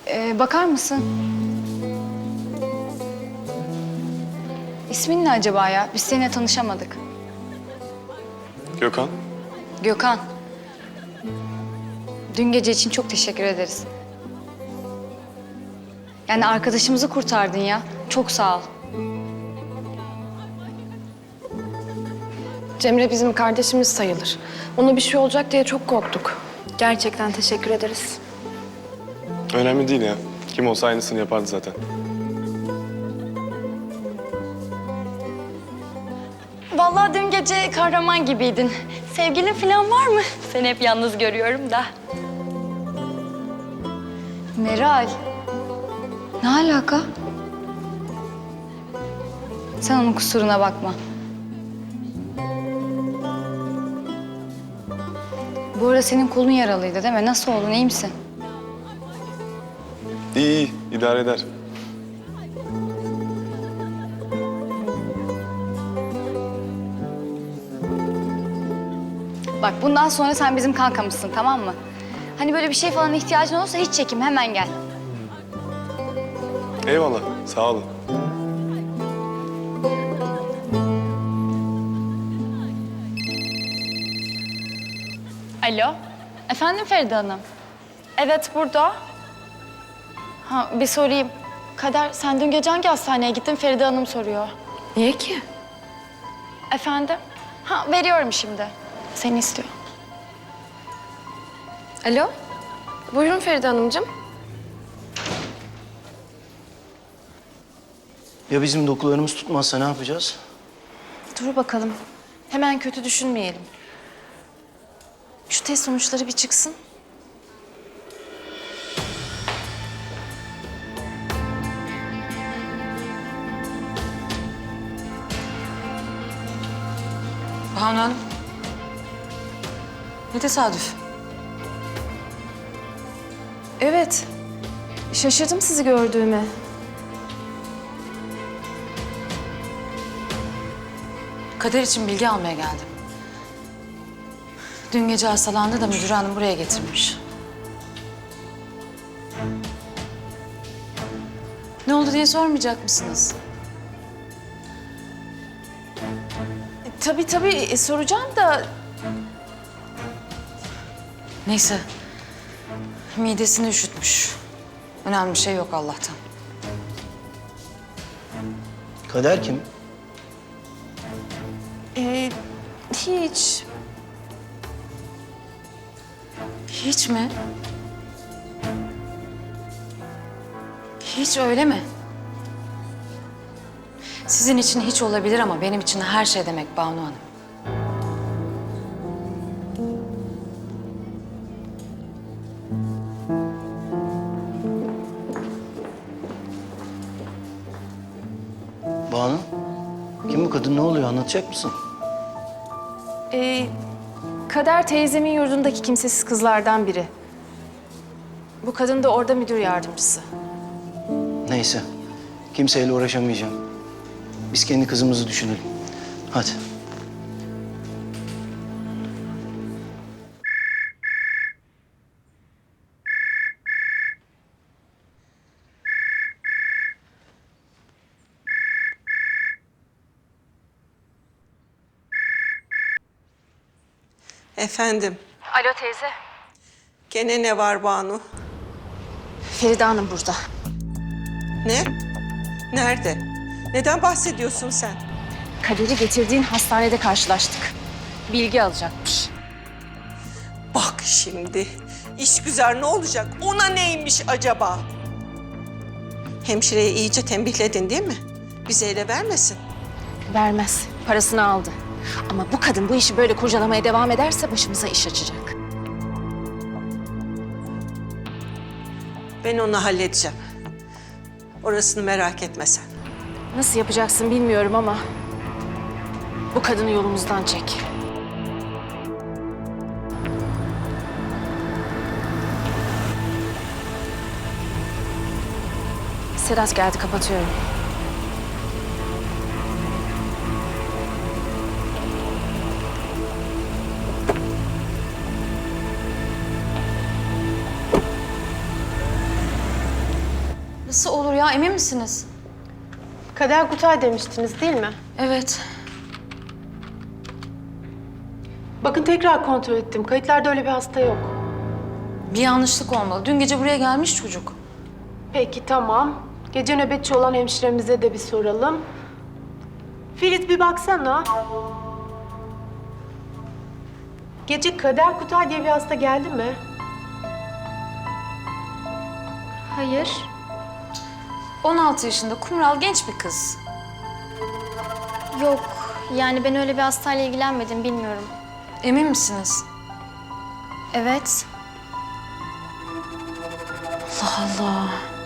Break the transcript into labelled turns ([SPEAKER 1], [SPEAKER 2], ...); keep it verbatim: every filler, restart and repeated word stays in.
[SPEAKER 1] Ee, bakar mısın? İsmin ne acaba ya? Biz seninle tanışamadık.
[SPEAKER 2] Gökhan.
[SPEAKER 1] Gökhan. Dün gece için çok teşekkür ederiz. Yani arkadaşımızı kurtardın ya. Çok sağ ol.
[SPEAKER 3] Cemre bizim kardeşimiz sayılır. Ona bir şey olacak diye çok korktuk. Gerçekten teşekkür ederiz.
[SPEAKER 2] Önemli değil ya. Kim olsa aynısını yapardı zaten.
[SPEAKER 1] Vallahi dün gece kahraman gibiydin. Sevgilin falan var mı? Seni hep yalnız görüyorum da. Meral. Ne alaka? Sen onun kusuruna bakma. Bu arada senin kolun yaralıydı değil mi? Nasıl oldun, iyi misin?
[SPEAKER 2] İyi iyi. idare eder.
[SPEAKER 1] Bak bundan sonra sen bizim kankamızsın, tamam mı? Hani böyle bir şey falan ihtiyacın olursa hiç çekinme, hemen gel.
[SPEAKER 2] Eyvallah. Sağ olun.
[SPEAKER 1] Alo. Efendim Feride Hanım? Evet, burada. Ha, bir sorayım. Kader, sen dün gece hangi hastaneye gittin? Feride Hanım soruyor.
[SPEAKER 3] Niye ki?
[SPEAKER 1] Efendim? Ha, veriyorum şimdi. Seni istiyor.
[SPEAKER 3] Alo. Buyurun Feride Hanımcığım.
[SPEAKER 4] Ya bizim dokularımız tutmazsa ne yapacağız?
[SPEAKER 5] Dur bakalım. Hemen kötü düşünmeyelim. Şu test sonuçları bir çıksın.
[SPEAKER 6] Banu Hanım. Ne tesadüf.
[SPEAKER 5] Evet. Şaşırdım sizi gördüğüme.
[SPEAKER 6] Kader için bilgi almaya geldim. Dün gece hastalandı da müdür hanım buraya getirmiş. Ne oldu diye sormayacak mısınız?
[SPEAKER 5] E, tabii tabii e, soracağım da
[SPEAKER 6] Neyse. Midesini üşütmüş. Önemli bir şey yok Allah'tan.
[SPEAKER 4] Kader kim?
[SPEAKER 5] e, hiç.
[SPEAKER 6] Hiç mi? Hiç öyle mi? Sizin için hiç olabilir ama benim için her şey demek Banu Hanım.
[SPEAKER 4] Banu. Kim bu kadın? Ne oluyor? Anlatacak mısın?
[SPEAKER 5] E, Kader teyzemin yurdundaki kimsesiz kızlardan biri. Bu kadın da orada müdür yardımcısı.
[SPEAKER 4] Neyse. Kimseyle uğraşamayacağım. Biz kendi kızımızı düşünelim. Hadi.
[SPEAKER 7] Efendim,
[SPEAKER 5] Alo teyze.
[SPEAKER 7] gene ne var Banu?
[SPEAKER 5] Feride Hanım burada.
[SPEAKER 7] Ne? Nerede? Neden bahsediyorsun sen?
[SPEAKER 5] Kader'i getirdiğin hastanede karşılaştık. Bilgi alacakmış.
[SPEAKER 7] Bak şimdi, işgüzar ne olacak? Ona neymiş acaba? Hemşireyi iyice tembihledin değil mi? Bize ele vermesin.
[SPEAKER 5] Vermez. Parasını aldı. Ama bu kadın bu işi böyle kurcalamaya devam ederse başımıza iş açacak.
[SPEAKER 7] Ben onu halledeceğim. Orasını merak etme sen.
[SPEAKER 5] Nasıl yapacaksın bilmiyorum ama bu kadını yolumuzdan çek. Sedat geldi, kapatıyorum.
[SPEAKER 6] Nasıl olur ya, emin misiniz?
[SPEAKER 3] Kader Kutay demiştiniz değil mi?
[SPEAKER 6] Evet.
[SPEAKER 3] Bakın tekrar kontrol ettim. Kayıtlarda öyle bir hasta yok.
[SPEAKER 6] Bir yanlışlık olmalı. Dün gece buraya gelmiş çocuk.
[SPEAKER 3] Peki tamam. Gece nöbetçi olan hemşiremize de bir soralım. Filiz bir baksana. Gece Kader Kutay diye bir hasta geldi mi?
[SPEAKER 1] Hayır.
[SPEAKER 6] on altı yaşında kumral genç bir kız.
[SPEAKER 1] Yok. Yani ben öyle bir hastayla ilgilenmedim, bilmiyorum.
[SPEAKER 6] Emin misiniz?
[SPEAKER 1] Evet.
[SPEAKER 6] Allah Allah.